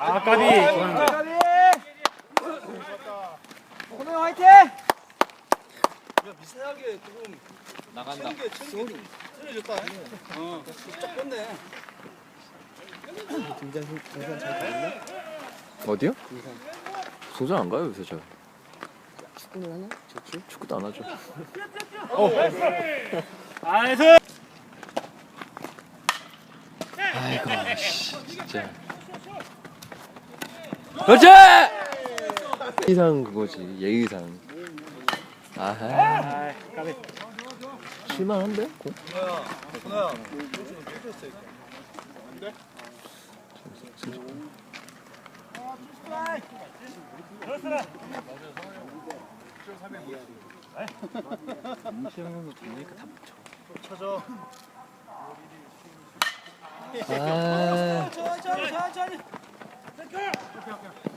아, 까비. 오늘 화이팅! 미세하게 조금 나간다. 틀어졌다. 쫙 뺐네. 등산 잘 가나? 어디요? 등산 안 가요 요새 저. 축구는 하나? 좋지? 축구도 안 하죠. 나이스. 아이고 진짜. 그렇지! 예의상 그거지 예의상. 아하. 아, 까비. 칠만한데? 준호야. 뺐어. 임시형은 되니까 다 묻혀. 쳐줘. 아. 천천히.